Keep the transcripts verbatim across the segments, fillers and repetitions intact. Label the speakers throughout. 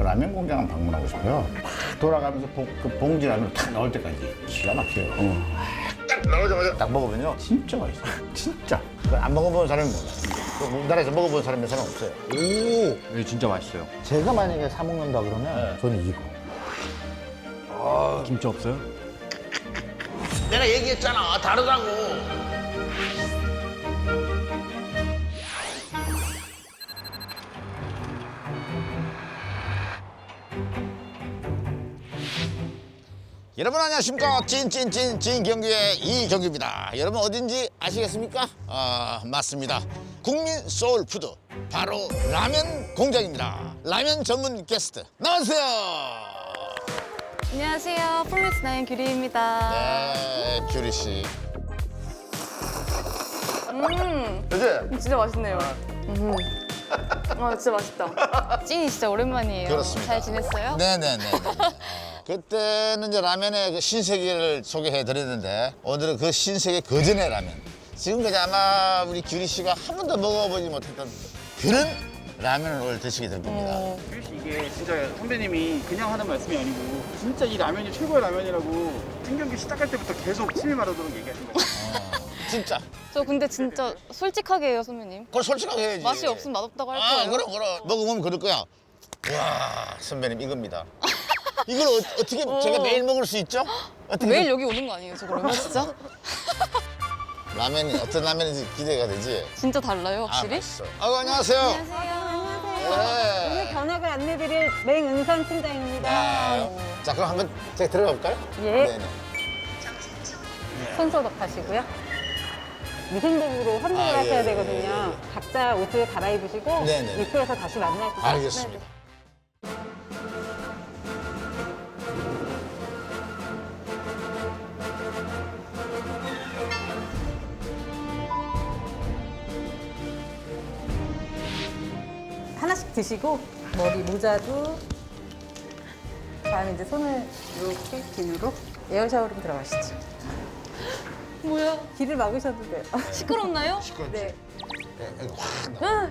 Speaker 1: 라면 공장을 방문하고 싶어요. 팍 돌아가면서 봉, 그 봉지 라면을 탁 넣을 때까지 기가 막혀요. 딱 나오자마자 딱 먹으면요 진짜 맛있어요. 진짜. 그걸 안 먹어본 사람이 몰라요. 그 우리나라에서 먹어본 사람이 몇 사람 없어요.
Speaker 2: 오, 이거 진짜 맛있어요.
Speaker 1: 제가 만약에 사 먹는다 그러면 저는 이거.
Speaker 2: 김치 없어요?
Speaker 1: 내가 얘기했잖아 다르다고. 여러분 안녕하십니까. 찐찐찐 찐경규의 이경규입니다. 여러분 어딘지 아시겠습니까? 아 맞습니다. 국민 소울푸드 바로 라면 공장입니다. 라면 전문 게스트 나와주세요.
Speaker 3: 안녕하세요. 폴미스 나인 규리입니다.
Speaker 1: 네 규리 씨.
Speaker 3: 음,
Speaker 1: 그지?
Speaker 3: 진짜 맛있네요. 음. 아, 진짜 맛있다. 찐이 진짜 오랜만이에요.
Speaker 1: 그렇습니다.
Speaker 3: 잘 지냈어요?
Speaker 1: 네네네. 그때는 이제 라면의 그 신세계를 소개해 드렸는데 오늘은 그 신세계 거전의 라면. 지금까지 아마 우리 규리 씨가 한 번도 먹어보지 못했던 그런 라면을 오늘 드시게 될 겁니다.
Speaker 3: 어,
Speaker 2: 규리 씨 이게 진짜 선배님이 그냥 하는 말씀이 아니고 진짜 이 라면이 최고의 라면이라고 찐경기 시작할 때부터 계속 침이 마르도록 얘기하신 거예요.
Speaker 1: 진짜.
Speaker 3: 저 근데 진짜 솔직하게 해요, 선배님.
Speaker 1: 그걸 솔직하게 해야지.
Speaker 3: 맛이 없으면 맛없다고 할
Speaker 1: 아,
Speaker 3: 거예요.
Speaker 1: 그럼, 그럼. 먹어보면 그럴 거야. 와, 선배님, 이겁니다. 이걸 어, 어떻게 제가 매일 먹을 수 있죠? 어떻게
Speaker 3: 매일 여기 오는 거 아니에요, 저 그러면 진짜?
Speaker 1: 라면이 어떤 라면인지 기대가 되지?
Speaker 3: 진짜 달라요, 확실히?
Speaker 1: 아, 맛있어. 아이고, 안녕하세요.
Speaker 3: 안녕하세요.
Speaker 1: 네.
Speaker 4: 오늘 견학을 안내드릴 맹은선 팀장입니다.
Speaker 1: 네. 자, 그럼 한번 제가 들어가 볼까요?
Speaker 4: 예.
Speaker 1: 네네.
Speaker 4: 손 소독하시고요. 위생복으로 환복을
Speaker 1: 아, 예,
Speaker 4: 하셔야
Speaker 1: 예,
Speaker 4: 되거든요. 각자 옷을 갈아입으시고
Speaker 1: 네네.
Speaker 4: 입구에서 다시 만나주세요.
Speaker 1: 알겠습니다.
Speaker 4: 하나씩 드시고 머리 모자도 다음에 이제 손을 이렇게 비누로 에어 샤워룸 들어가시죠.
Speaker 3: 뭐야?
Speaker 4: 귀를 막으셔도 돼요.
Speaker 3: 시끄럽나요?
Speaker 4: 네.
Speaker 1: 네, 여기 확 넣어.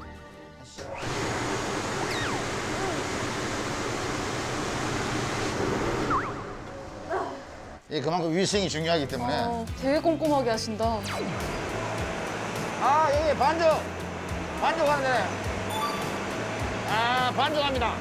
Speaker 1: 예, 그만큼 위생이 중요하기 때문에.
Speaker 3: 어, 되게 꼼꼼하게 하신다.
Speaker 1: 아, 예, 예, 반죽. 반죽 하는 데네. 아, 반죽합니다.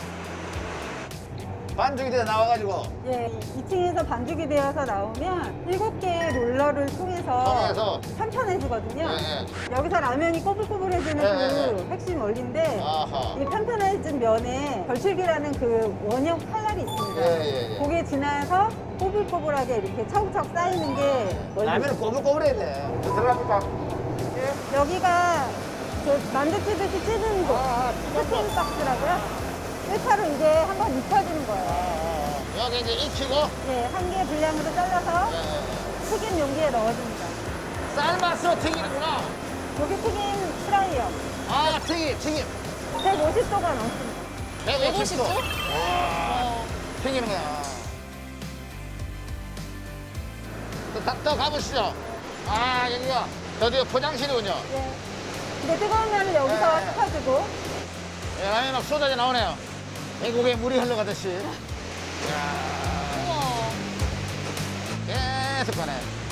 Speaker 1: 반죽이 돼서 나와가지고
Speaker 4: 예, 이 층에서 반죽이 되어서 나오면 일곱 개의 롤러를 통해서,
Speaker 1: 통해서.
Speaker 4: 편편해지거든요.
Speaker 1: 예,
Speaker 4: 여기서 라면이 꼬불꼬불해지는
Speaker 1: 예,
Speaker 4: 그
Speaker 1: 예.
Speaker 4: 핵심 원리인데
Speaker 1: 아하.
Speaker 4: 이 편편해진 면에 걸출기라는 그 원형 칼날이 있습니다.
Speaker 1: 예, 예, 예.
Speaker 4: 그게 지나서 꼬불꼬불하게 이렇게 차곡차곡 쌓이는 게 원리.
Speaker 1: 라면은 꼬불꼬불해야 돼. 저 들어갑니까?
Speaker 4: 여기가 저 만두 찌듯이 찌는 곳,
Speaker 1: 아,
Speaker 4: 스팀 박스라고요. 일 차로 이제 한번 익혀주는 거예요.
Speaker 1: 여기 이제 익히고
Speaker 4: 예, 한 개 분량으로 잘라서
Speaker 1: 예,
Speaker 4: 튀김 용기에 넣어줍니다.
Speaker 1: 삶아서 튀기는구나.
Speaker 4: 여기 튀김 프라이어
Speaker 1: 아, 튀김, 튀김.
Speaker 4: 백오십 도가 넘습니다.
Speaker 1: 백오십 도.
Speaker 3: 백오십 도?
Speaker 1: 와, 튀기는 거야. 또, 다- 또 가보시죠. 아, 여기가 드디어 포장실이군요.
Speaker 4: 예. 근데 뜨거운 면을 여기서
Speaker 1: 네.
Speaker 4: 식혀주고
Speaker 1: 예, 라면이 막 쏟아져 나오네요. 애국에 물이 흘러가듯이. 이야,
Speaker 3: 우와.
Speaker 1: 계속 가네.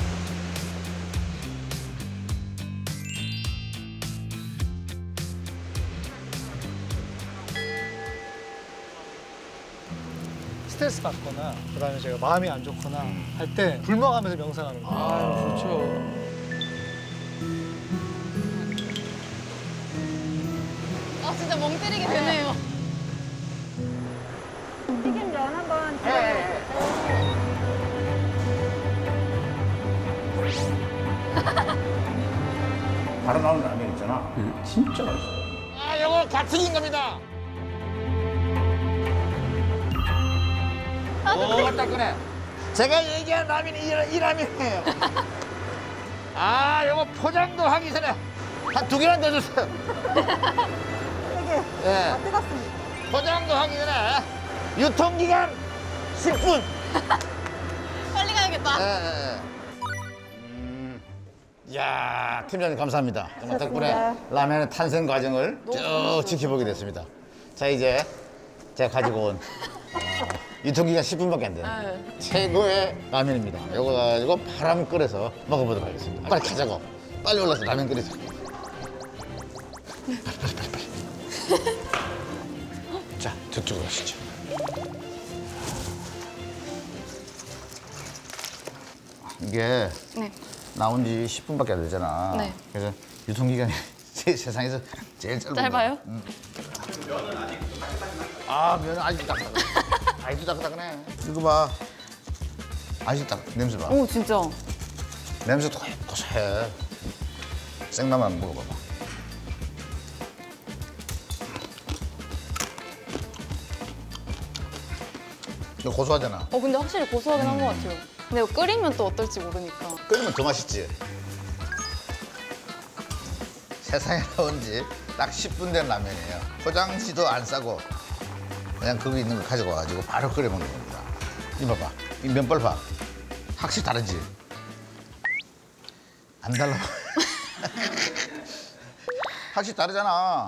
Speaker 5: 스트레스 받거나 그다음에 제가 마음이 안 좋거나 할 때 불멍하면서 명상하는 거예요.
Speaker 2: 아, 좋죠.
Speaker 3: 아, 진짜 멍 때리게 되네요.
Speaker 4: 튀김 면 한번
Speaker 1: 예, 바로 나오는 라면 있잖아. 진짜 맛있어. 아, 요거 갓튀긴 겁니다. 오, 따끈해. 제가 얘기한 라면이 이, 이 라면이에요. 아, 요거 포장도 하기 전에 한 두 개나 넣어주세요.
Speaker 4: 되게
Speaker 1: 예.
Speaker 4: 아, 뜨겁습니다.
Speaker 1: 포장도 하기 전에 유통기간 십 분.
Speaker 3: 빨리 가야겠다.
Speaker 1: 예, 예, 예. 음, 이야, 팀장님 감사합니다. 정말 덕분에
Speaker 4: 고맙습니다.
Speaker 1: 라면의 탄생 과정을 쭉 지켜보게 됐습니다. 자, 이제 제가 가지고 온 어, 유통기간 십 분밖에 안 되는
Speaker 3: 네.
Speaker 1: 최고의 라면입니다. 이거 가지고 바람 끓여서 먹어보도록 하겠습니다. 빨리 가자고. 빨리 올라서 라면 끓이자. 빨리 빨리 빨리 빨리. 자, 저쪽으로 가시죠. 이게
Speaker 3: 네.
Speaker 1: 나온 지 십 분밖에 안 되잖아.
Speaker 3: 네.
Speaker 1: 그래서 유통기간이 제 세상에서 제일 짧은
Speaker 3: 짧아요?
Speaker 1: 거야. 응. 아, 면은 아직도 딱딱해. 아직도 딱딱하네. 이거 봐. 아직도 딱, 냄새 봐.
Speaker 3: 오 진짜.
Speaker 1: 냄새 도 고소해. 생라면 한번 먹어봐봐. 이거 고소하잖아.
Speaker 3: 어 근데 확실히 고소하긴 한 것 같아요. 근데 이거 끓이면 또 어떨지 모르니까.
Speaker 1: 끓이면 더 맛있지. 세상에 나온 지 딱 십 분 된 라면이에요. 포장지도 안 싸고 그냥 거기 있는 거 가지고 와가지고 바로 끓여 먹는 겁니다. 이 봐봐. 이 면발 봐. 확실히 다르지? 안 달라. 확실히 다르잖아.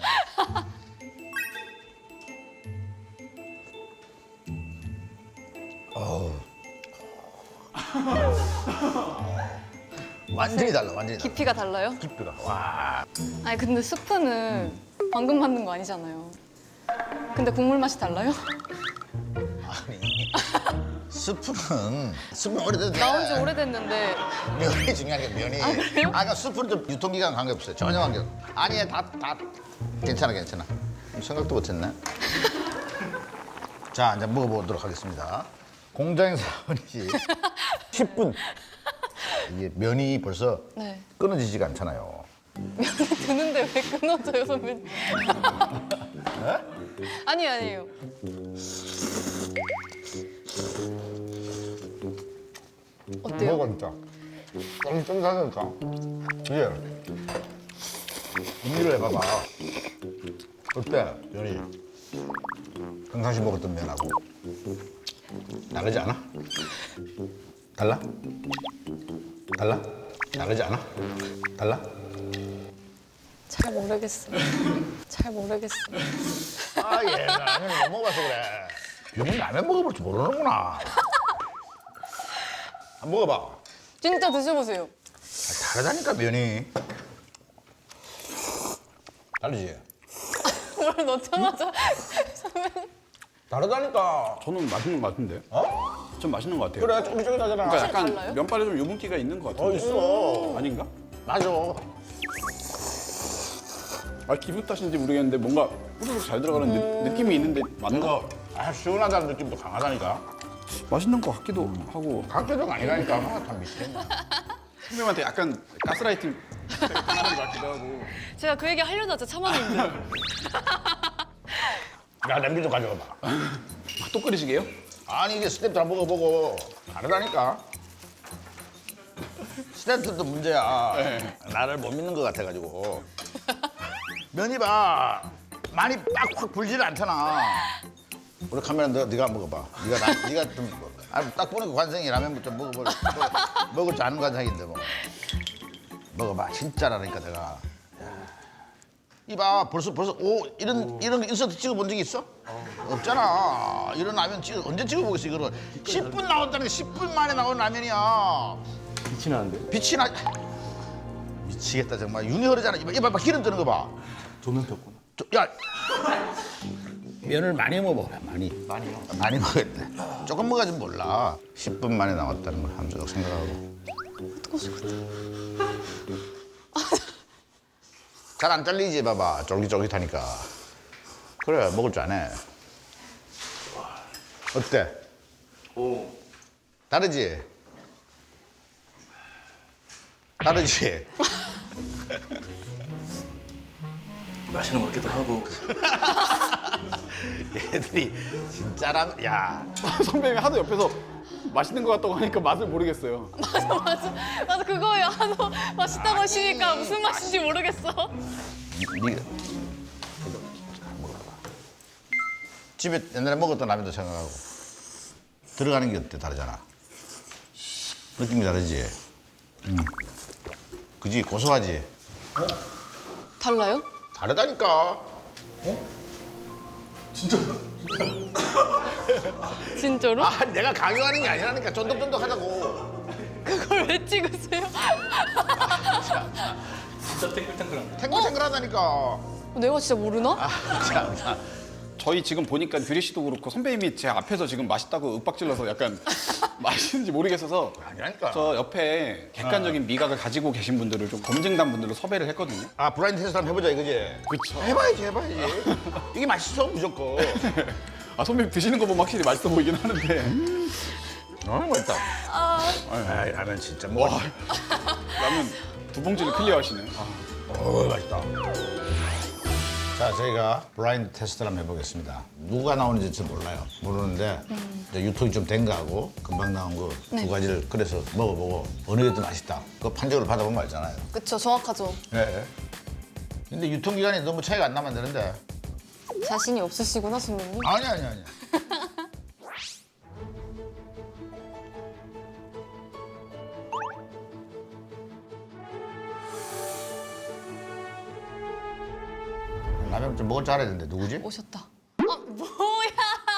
Speaker 1: 어우. 완전히 달라, 완전히 달라.
Speaker 3: 깊이가 달라요?
Speaker 1: 깊이가. 와.
Speaker 3: 아니 근데 스프는 방금 만든 거 아니잖아요. 근데 국물 맛이 달라요?
Speaker 1: 아니. 스프는, 스프는 오래돼도 돼.
Speaker 3: 나온 지 오래됐는데
Speaker 1: 면이 중요한 게 면이. 아,
Speaker 3: 그래요?
Speaker 1: 그러니까 스프는 좀 유통기간 관계없어요. 전혀 관계없어. 아니야, 다, 다. 괜찮아, 괜찮아. 생각도 못했네. 자, 이제 먹어보도록 하겠습니다. 공장에서 나오지 십 분. 이게 면이 벌써
Speaker 3: 네.
Speaker 1: 끊어지지가 않잖아요.
Speaker 3: 면이 드는데 왜 끊어져요 선배님? 아니 아니에요. 어때요?
Speaker 1: 먹어, 진짜. 너무 쫀쫀하니까. 이게 음미를 해봐봐. 어때, 면이? 평상시 먹었던 면하고 다르지 않아? 달라? 달라? 다르지 않아? 달라?
Speaker 3: 잘 모르겠어요. 잘 모르겠어요.
Speaker 1: 아, 얘 라면을 못 먹어봐서 그래. 병은 라면 먹어볼 줄 모르는구나. 한번 먹어봐.
Speaker 3: 진짜 드셔보세요.
Speaker 1: 아, 다르다니까, 면이. 다르지?
Speaker 3: 뭘 넣자마자 선배님.
Speaker 1: 다르다니까.
Speaker 2: 저는 맛있는 것 같은데.
Speaker 1: 어?
Speaker 2: 좀 맛있는 것 같아요.
Speaker 1: 그래, 쫄깃쫄깃하잖아.
Speaker 2: 그러니까 약간
Speaker 3: 달라요?
Speaker 2: 면발에 좀 유분기가 있는 것 같은데.
Speaker 1: 어, 있어.
Speaker 2: 아닌가?
Speaker 1: 맞아.
Speaker 2: 아 기분 탓인지 모르겠는데 뭔가 후루룩 잘 들어가는 느, 느낌이 있는데 맞는 거
Speaker 1: 이거 아, 시원하다는 느낌도 강하다니까.
Speaker 2: 맛있는 것 같기도 하고
Speaker 1: 각도가 아니라니까. 아, 다 미치겠네.
Speaker 2: 선배님한테 약간 가스라이팅 당하는 것 같기도 하고.
Speaker 3: 제가 그 얘기 하려다 진짜 참았는데.
Speaker 1: 야, 냄비 좀 가져와봐.
Speaker 2: 아, 또 끓이시게요?
Speaker 1: 아니, 이게 스텝도 안 먹어보고 다르다니까. 스텝도 문제야.
Speaker 2: 네.
Speaker 1: 나를 못 믿는 것 같아가지고. 면이 봐. 많이 빡 확 불지는 않잖아. 우리 카메라 너, 네가 한번 먹어봐. 네가 나, 네가 좀 먹어. 아, 딱 보니까 관상이 라면부터 먹어볼 먹- 먹을 줄 아는 관상인데 뭐. 먹어봐. 진짜라니까 내가. 이봐 벌써 벌써 오 이런 이런 거 인서트 찍어본 적이 있어? 없잖아. 이런 라면 찍어 언제 찍어보겠어 이거를. 십 분 나온다는 게 십 분 만에 나온 라면이야.
Speaker 2: 빛이 나는데?
Speaker 1: 빛이 나. 미치겠다 정말. 윤이 흐르잖아. 이봐 이봐 기름 뜨는 거 봐.
Speaker 2: 조명 켰구나.
Speaker 1: 저, 야 면을 많이 먹어라 많이. 많이요? 많이 먹어야 돼. 조금 먹어야지 몰라. 십 분 만에 나왔다는 걸 함수적 생각하고. 잘 안 잘리지 봐봐. 쫄깃쫄깃하니까. 그래 먹을 줄 아네. 어때?
Speaker 2: 오.
Speaker 1: 다르지? 다르지?
Speaker 2: 맛있는 것 같기도 하고.
Speaker 1: 얘들이 진짜라면 야
Speaker 2: 선배님이 하도 옆에서 맛있는 것 같다고 하니까 맛을 모르겠어요.
Speaker 3: 맞아 맞아 맞아 그거예요. 하도 맛있다고 하시니까 무슨 맛인지 모르겠어.
Speaker 1: 니가 먹어봐. 집에 옛날에 먹었던 라면도 생각하고 들어가는 게 어때? 다르잖아. 느낌이 다르지? 응. 그지? 고소하지?
Speaker 3: 달라요?
Speaker 1: 다르다니까.
Speaker 2: 진짜
Speaker 3: 진짜로?
Speaker 1: 아, 내가 강요하는 게 아니라니까. 쫀득쫀득하다고.
Speaker 3: 그걸 왜 찍으세요?
Speaker 6: 진짜 탱글탱글한.
Speaker 1: 탱글탱글하다니까.
Speaker 3: 내가 진짜 모르나?
Speaker 1: 아, 참.
Speaker 2: 저희 지금 보니까 규리 씨도 그렇고 선배님이 제 앞에서 지금 맛있다고 윽박질러서 약간 맛있는지 모르겠어서
Speaker 1: 아니라니까.
Speaker 2: 저 옆에 객관적인 미각을 가지고 계신 분들을 좀 검증단 분들로 섭외를 했거든요.
Speaker 1: 아, 브라인드 테스트 한번 해보자 이거지?
Speaker 2: 그쵸.
Speaker 1: 해봐야지, 해봐야지. 이게 맛있어, 무조건.
Speaker 2: 아 선배님 드시는 거 보면 확실히 맛있어 보이긴 하는데
Speaker 1: 너무 맛있다. 아, 라면 진짜 뭐.
Speaker 2: 라면 두 봉지를 클리어하시네. 아.
Speaker 1: 어, 맛있다. 자, 저희가 브라인드 테스트를 한번 해보겠습니다. 누가 나오는지 잘 몰라요. 모르는데 이제 유통이 좀 된 거하고 금방 나온 거 두 가지를 끓여서 먹어보고 어느 게 더 맛있다. 그거 판정을 받아보면 알잖아요.
Speaker 3: 그쵸, 정확하죠.
Speaker 1: 네. 근데 유통기간이 너무 차이가 안 나면 되는데.
Speaker 3: 자신이 없으시구나, 선배님.
Speaker 1: 아니, 아니, 아니. 라면 좀 먹을 줄 알아야 되는데 누구지?
Speaker 3: 오셨다. 아, 뭐야!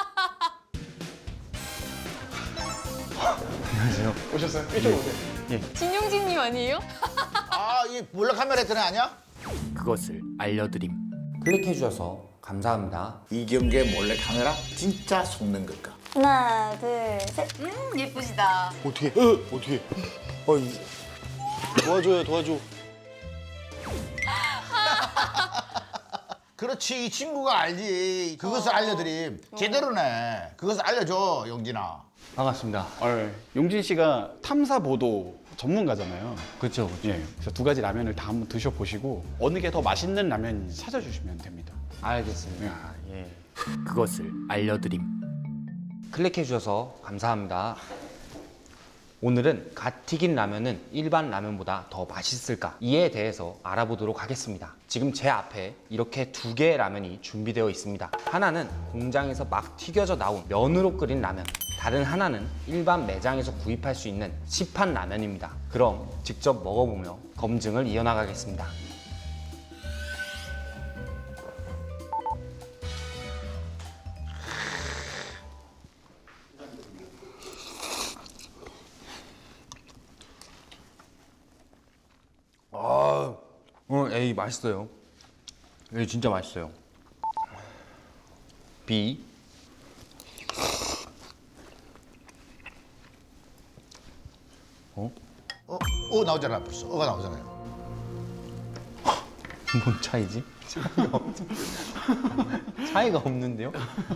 Speaker 2: 오셨어요? 이쪽으로 오세요.
Speaker 3: 진용진님 아니에요?
Speaker 1: 아, 이 몰래 카메라 했던 애 아니야?
Speaker 6: 그것을 알려드림. 클릭해 주셔서 감사합니다.
Speaker 1: 이경계 몰래 카메라 진짜 속는 걸까?
Speaker 7: 하나, 둘, 셋.
Speaker 3: 음, 예쁘시다.
Speaker 2: 어떻게? 어, 어떻게? 어이. 도와줘요, 도와줘.
Speaker 1: 그렇지, 이 친구가 알지. 그것을 알려드림. 제대로네. 그것을 알려줘, 용진아.
Speaker 6: 반갑습니다.
Speaker 2: 아, 용진 씨가 탐사 보도 전문가잖아요.
Speaker 6: 그렇죠.
Speaker 2: 예. 그래서 두 가지 라면을 다 한번 드셔보시고 어느 게 더 맛있는 라면인지 찾아주시면 됩니다.
Speaker 6: 알겠습니다. 예. 그것을 알려드림. 클릭해 주셔서 감사합니다. 오늘은 갓 튀긴 라면은 일반 라면보다 더 맛있을까? 이에 대해서 알아보도록 하겠습니다. 지금 제 앞에 이렇게 두 개의 라면이 준비되어 있습니다. 하나는 공장에서 막 튀겨져 나온 면으로 끓인 라면. 다른 하나는 일반 매장에서 구입할 수 있는 시판 라면입니다. 그럼 직접 먹어보며 검증을 이어나가겠습니다. 아, 어, A 맛있어요. A 진짜 맛있어요. B.
Speaker 1: 어? 어, 나오잖아, 벌써. 어가 나오잖아요.
Speaker 6: 뭔 차이지? 차이가, 없... 차이가 없는데요?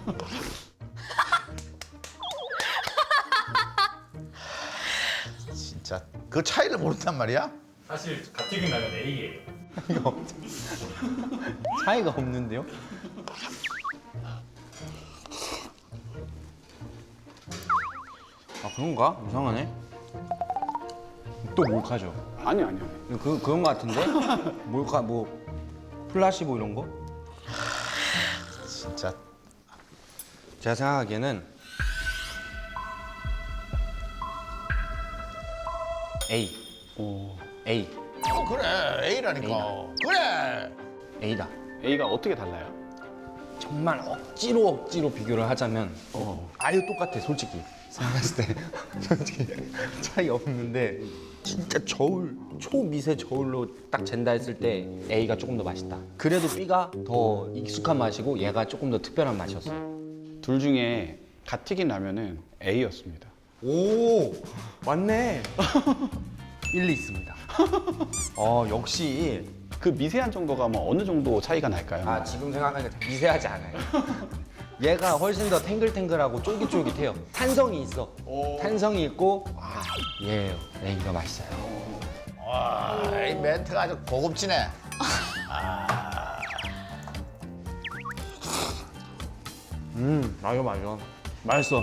Speaker 1: 진짜. 그 차이를 모른단 말이야?
Speaker 8: 사실 갓튀긴 라면 A예요.
Speaker 6: 차이가 없는데요? 아 그런가? 이상하네. 또 몰카죠?
Speaker 2: 아니, 아니요.
Speaker 6: 그 그런 거 같은데? 몰카 뭐 플라시보 이런 거?
Speaker 1: 진짜.
Speaker 6: 제가 생각하기에는 A.
Speaker 2: 오.
Speaker 6: A.
Speaker 1: 어, 그래. A라니까. 그래.
Speaker 6: A다.
Speaker 2: A가 어떻게 달라요?
Speaker 6: 정말 억지로 억지로 비교를 하자면
Speaker 2: 어.
Speaker 6: 아예 똑같아 솔직히 생각했을 때 솔직히 차이 없는데 진짜 저울 초미세 저울로 딱 잰다 했을 때 A가 조금 더 맛있다. 그래도 B가 더 익숙한 맛이고 얘가 조금 더 특별한 맛이었어.
Speaker 2: 둘 중에 갓 튀긴 라면은 A였습니다.
Speaker 6: 오 맞네. 일리 있습니다. 어 역시
Speaker 2: 그 미세한 정도가 뭐 어느 정도 차이가 날까요?
Speaker 6: 아 지금 생각하니까 미세하지 않아요. 얘가 훨씬 더 탱글탱글하고 쫄깃쫄깃해요. 탄성이 있어. 탄성이 있고 아, 얘 A가 맛있어요.
Speaker 1: 와, 이 멘트가 아주 고급지네.
Speaker 6: 음 맞아 맞아 맛있어.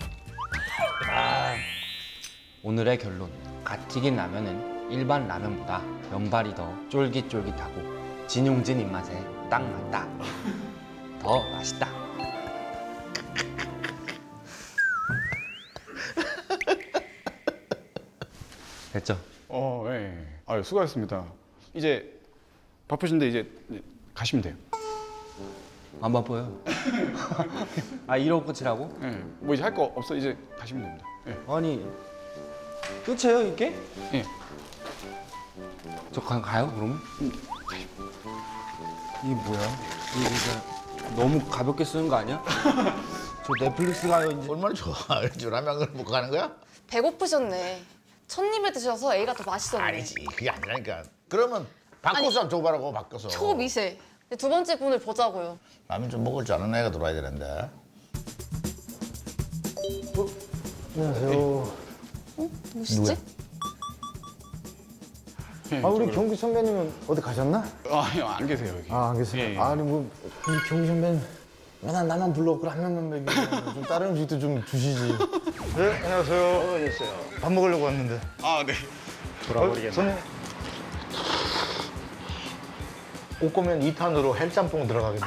Speaker 6: 아. 오늘의 결론 갓 튀긴 라면은 일반 라면보다 면발이 더 쫄깃쫄깃하고 진용진 입맛에 딱 맞다. 더 맛있다. 됐죠?
Speaker 2: 어, 예. 아유, 수고하셨습니다. 이제 바쁘신데 이제 가시면 돼요.
Speaker 6: 안 바빠요. 아 이러고 끝이라고?
Speaker 2: 예. 뭐 이제 할 거 없어 이제 가시면 됩니다. 예.
Speaker 6: 아니 끝이에요 이게?
Speaker 2: 예.
Speaker 6: 저 가, 가요 그러면? 이게 뭐야? 이게 진짜 너무 가볍게 쓰는 거 아니야? 저 넷플릭스 가요 이제.
Speaker 1: 얼마나 좋아. 저 라면을 먹고 가는 거야?
Speaker 3: 배고프셨네. 첫 입에 드셔서 A가 더 맛있었네.
Speaker 1: 아니지. 그게 아니라니까. 그러면 바꿔서 줘봐라고 바꿔서.
Speaker 3: 초미세. 근데 두 번째 분을 보자고요.
Speaker 1: 라면 좀 먹을 줄 아는 애가 들어와야 되는데.
Speaker 5: 안녕하세요.
Speaker 3: 뭐시지?
Speaker 2: 예,
Speaker 5: 아 우리
Speaker 2: 저기로.
Speaker 5: 경기 선배님은 어디 가셨나?
Speaker 2: 아, 예, 안 계세요 여기.
Speaker 5: 아 안 계세요.
Speaker 2: 예, 예.
Speaker 5: 아니 뭐 우리 경기 선배님 맨날 나만 불러고 라면만 먹이고 좀 다른 음식도 좀 주시지. 네 안녕하세요. 안녕하세요. 밥 먹으려고 왔는데.
Speaker 2: 아, 네.
Speaker 5: 돌아버리겠네. 저는 옷 거면 이 탄으로 헬짬뽕 들어가겠네.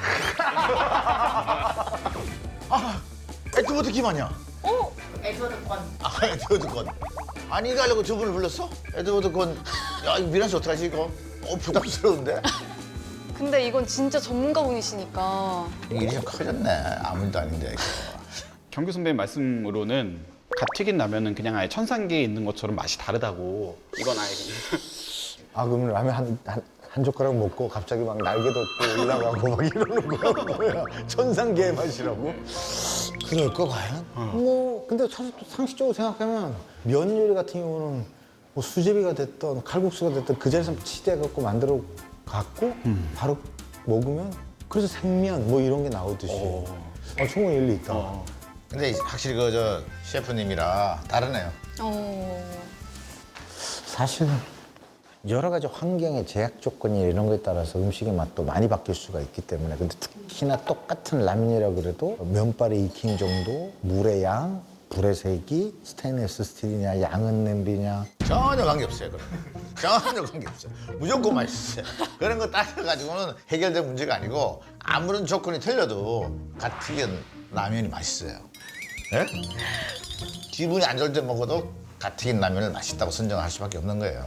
Speaker 1: 에드워드 김 아니야? 어? 에드워드 건. 아, 에드워드 건. 아니, 이거 하려고 저분을 불렀어? 에드워드 건. 야, 이거 미란씨 어떡하지, 이거? 어, 부담스러운데?
Speaker 3: 근데 이건 진짜 전문가분이시니까.
Speaker 1: 일이 좀 커졌네. 아무 일도 아닌데, 이거.
Speaker 2: 경규 선배님 말씀으로는 갓 튀긴 라면은 그냥 아예 천상계에 있는 것처럼 맛이 다르다고. 이건 아예 그냥.
Speaker 5: 아 그러면 라면 한, 한, 한 젓가락 먹고 갑자기 막 날개 돋고 올라가고 막 이러는 거야 뭐야 천상계의 맛이라고? 그럴까 과연? 뭐 근데 사실 또 상식적으로 생각하면 면 요리 같은 경우는 뭐 수제비가 됐던 칼국수가 됐던 그 자리에서 치대갖고 만들어 갖고 바로 먹으면 그래서 생면 뭐 이런 게 나오듯이 아, 충분히 일리 있다.
Speaker 2: 어.
Speaker 1: 근데 확실히 그, 저, 셰프님이라 다르네요.
Speaker 3: 어.
Speaker 9: 사실 여러 가지 환경의 제약 조건이 이런 거에 따라서 음식의 맛도 많이 바뀔 수가 있기 때문에 근데 특히나 똑같은 라면이라 그래도 면발의 익힘 정도, 물의 양, 불의 세기, 스테인리스 스틸이냐, 양은 냄비냐
Speaker 1: 전혀 관계없어요, 그럼. 전혀 관계없어요. 무조건 맛있어요. 그런 거 따져가지고는 해결된 문제가 아니고 아무런 조건이 틀려도 갓 튀긴 라면이 맛있어요. 예? 기분이 안 좋을 때 먹어도 갓 튀긴 라면을 맛있다고 선정할 수밖에 없는 거예요.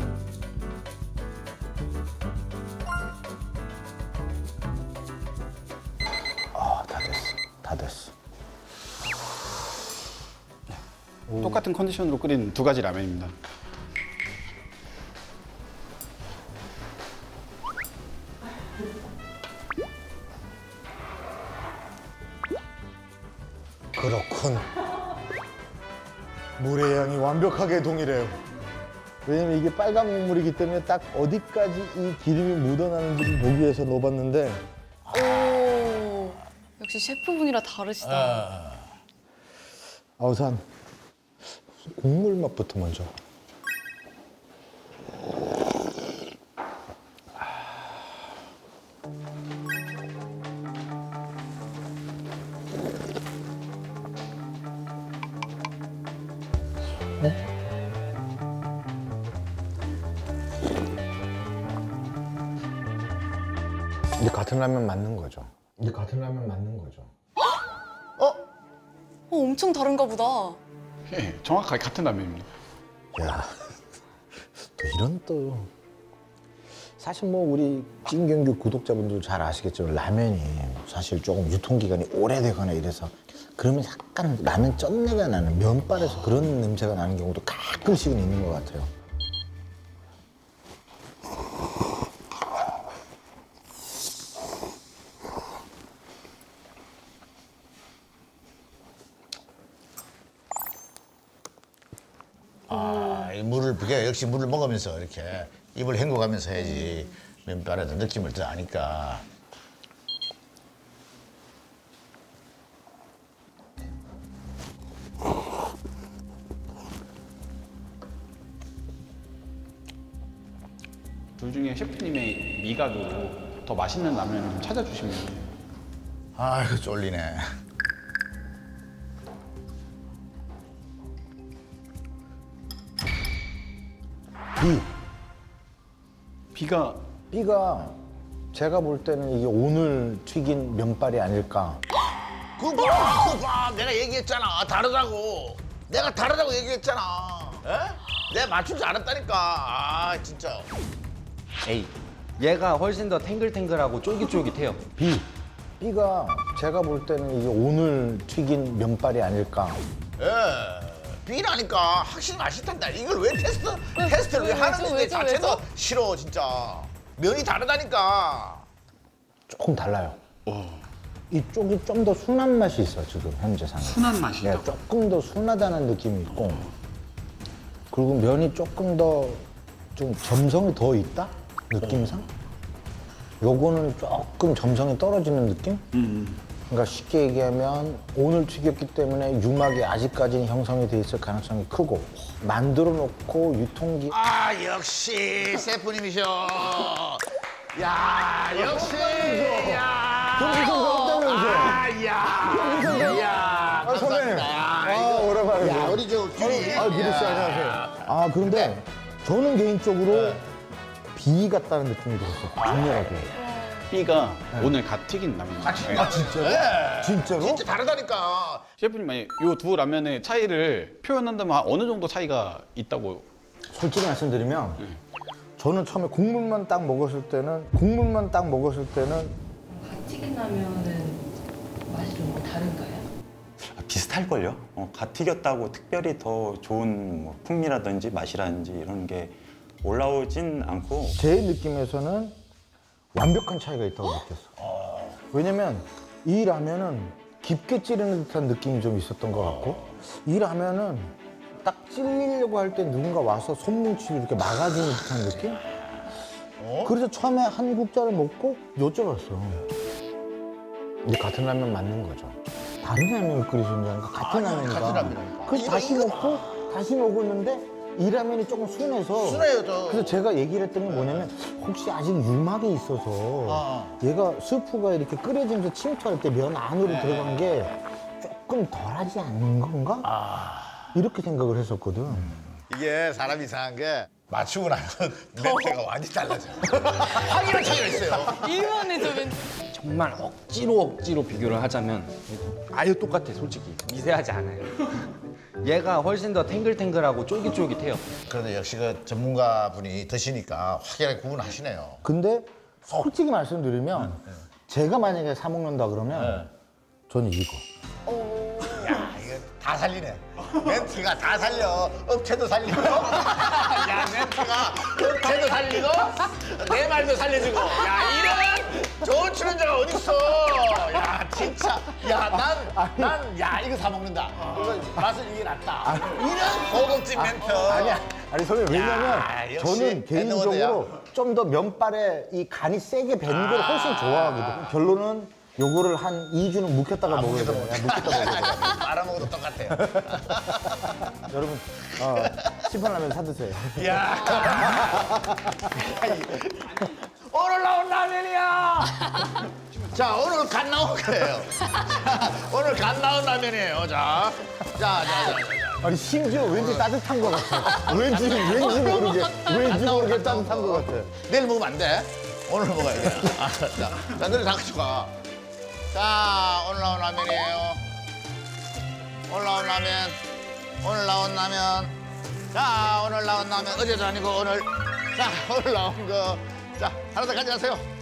Speaker 9: 아, 다 됐어, 다 됐어.
Speaker 2: 똑같은 컨디션으로 끓인 두 가지 라면입니다.
Speaker 5: 그렇군. 물의 양이 완벽하게 동일해요. 왜냐면 이게 빨간 국물이기 때문에 딱 어디까지 이 기름이 묻어나는지를 보기 위해서 넣어봤는데
Speaker 3: 오. 역시 셰프분이라 다르시다.
Speaker 5: 아, 우선 국물 맛부터 먼저.
Speaker 9: 근데 같은 라면 맞는 거죠? 근데 같은 라면 맞는 거죠?
Speaker 3: 어, 엄청 다른가 보다.
Speaker 2: 예, 정확하게 같은 라면입니다.
Speaker 9: 야, 또 이런 또 사실 뭐 우리 찐경규 구독자분들 잘 아시겠지만 라면이 사실 조금 유통기간이 오래되거나 이래서 그러면 약간 라면 쩐내가 나는 면발에서 그런 냄새가 나는 경우도 가끔씩은 있는 것 같아요.
Speaker 1: 아, 이 물을, 그게 역시 물을 먹으면서 이렇게 입을 헹궈가면서 해야지 면발에도 느낌을 더 아니까.
Speaker 2: 둘 중에 셰프님의 미각으로 더 맛있는 라면을 좀 찾아주시면
Speaker 1: 아이고, 쫄리네.
Speaker 9: B,
Speaker 2: 비가
Speaker 9: B가 제가 볼 때는 이게 오늘 튀긴 면발이 아닐까.
Speaker 1: 그거 봐, 그거 봐. 내가 얘기했잖아. 다르다고. 내가 다르다고 얘기했잖아. 에? 내가 맞출 줄 알았다니까. 아, 진짜.
Speaker 6: A. 얘가 훨씬 더 탱글탱글하고 쫄깃쫄깃해요.
Speaker 9: B, B가 제가 볼 때는 이게 오늘 튀긴 면발이 아닐까.
Speaker 1: 예. B라니까 확실히 맛있단다. 이걸 왜 테스트 테스트를 왜
Speaker 3: 왜죠,
Speaker 1: 하는데
Speaker 3: 왜죠,
Speaker 1: 자체도
Speaker 3: 왜죠?
Speaker 1: 싫어 진짜. 면이 다르다니까.
Speaker 9: 조금 달라요. 이쪽이 좀 더 순한 맛이 있어 지금 현재 상황.
Speaker 2: 순한 맛이
Speaker 9: 네,
Speaker 2: 있다고?
Speaker 9: 조금 더 순하다는 느낌이 있고 그리고 면이 조금 더 좀 점성이 더 있다 느낌상. 요거는 조금 점성이 떨어지는 느낌? 그러니까 쉽게 얘기하면 오늘 튀겼기 때문에 유막이 아직까지는 형성이 돼 있을 가능성이 크고 만들어 놓고 유통기
Speaker 1: 아 역시 셰프님이셔. 야 역시. 야.
Speaker 9: 경기선 없다면서.
Speaker 1: 아, 야. 야.
Speaker 9: 아, 선배님. 아, 오랜만에.
Speaker 1: 야 우리 저 규리.
Speaker 9: 아, 규리 씨 안녕하세요. 아, 그런데 저는 개인적으로 B 같다는 느낌이 들었어요. 강렬하게.
Speaker 2: B가 오늘 갓 튀긴 라면.
Speaker 1: 아 진짜로? 네.
Speaker 9: 진짜로?
Speaker 1: 진짜 다르다니까.
Speaker 2: 셰프님 만약 이 두 라면의 차이를 표현한다면 어느 정도 차이가 있다고?
Speaker 9: 솔직히 말씀드리면 저는 처음에 국물만 딱 먹었을 때는 국물만 딱 먹었을 때는
Speaker 10: 튀긴 라면은 맛이 좀 뭐 다른가요?
Speaker 11: 아, 비슷할걸요? 어, 갓 튀겼다고 특별히 더 좋은 뭐 풍미라든지 맛이라든지 이런 게 올라오진 않고
Speaker 9: 제 느낌에서는 완벽한 차이가 있다고 느꼈어. 왜냐면 이 라면은 깊게 찌르는 듯한 느낌이 좀 있었던 것 같고 이 라면은 딱 찔리려고 할 때 누군가 와서 손뭉치로 이렇게 막아주는 듯한 느낌? 그래서 처음에 한 국자를 먹고 여쭤봤어. 근데 같은 라면 맞는 거죠. 다른 라면을 끓이시냐니까 같은 라면이니까.
Speaker 1: 같은 라면이니까.
Speaker 9: 그래서
Speaker 1: 이거,
Speaker 9: 다시
Speaker 1: 이거.
Speaker 9: 먹고 다시 먹었는데 이 라면이 조금 순해서
Speaker 1: 순해요, 저.
Speaker 9: 그래서 제가 얘기를 했던 게 뭐냐면 혹시 아직 유막이 있어서
Speaker 1: 어.
Speaker 9: 얘가 스프가 이렇게 끓여지면서 침투할 때 면 안으로
Speaker 1: 네.
Speaker 9: 들어간 게 조금 덜하지 않은 건가?
Speaker 1: 아.
Speaker 9: 이렇게 생각을 했었거든.
Speaker 1: 이게 사람 이상한 게 맞추고 나면 멘트가 완전히 달라져. 확연한 차이가 있어요.
Speaker 3: 일만해져 왠지.
Speaker 6: 정말 억지로 억지로 비교를 하자면 아예 똑같아 솔직히 미세하지 않아요. 얘가 훨씬 더 탱글탱글하고 쫄깃쫄깃해요.
Speaker 1: 그런데 역시 그 전문가분이 드시니까 확연하게 구분하시네요.
Speaker 9: 근데 솔직히 말씀드리면 제가 만약에 사 먹는다 그러면 저는 이거.
Speaker 1: 야, 이거 다 살리네. 멘트가 다 살려. 업체도 살리고. 야, 멘트가 업체도 살리고, 내 말도 살려주고. 야, 이런 좋은 출연자가 어딨어. 야, 진짜. 야, 난, 난, 야, 이거 사 먹는다. 이거 맛은 이게 낫다. 이런 고급진 멘트.
Speaker 9: 아니야. 아니 선생님 왜냐면
Speaker 1: 야, 역시
Speaker 9: 저는 개인적으로 좀 더 면발에 이 간이 세게 밴 걸 훨씬 좋아하거든요. 결론은 요거를 한 이 주는 묵혔다가 먹어야 돼요. 야, 묵혔다가 먹어야 돼요.
Speaker 1: 말아먹어도 똑같아요.
Speaker 9: 여러분 어, 시판라면 사드세요.
Speaker 1: 야. 오늘 나온 라면이야. 자, 오늘 갓 나온 거예요. 자, 오늘 갓 나온 라면이에요. 자, 자, 자, 자. 자.
Speaker 9: 아니 심지어 왠지 따뜻한 것 같아. 왠지 왠지 모르게 왠지 모르게 따뜻한 것 같아.
Speaker 1: 내일 먹으면 안 돼. 오늘 먹어야 돼. 아, 자, 자, 너네 다 같이 가. 자, 오늘 나온 라면이에요. 오늘 나온 라면. 오늘 나온 라면. 자, 오늘 나온 라면. 어제도 아니고 오늘. 자, 오늘 나온 거. 자, 하나 더 가져가세요.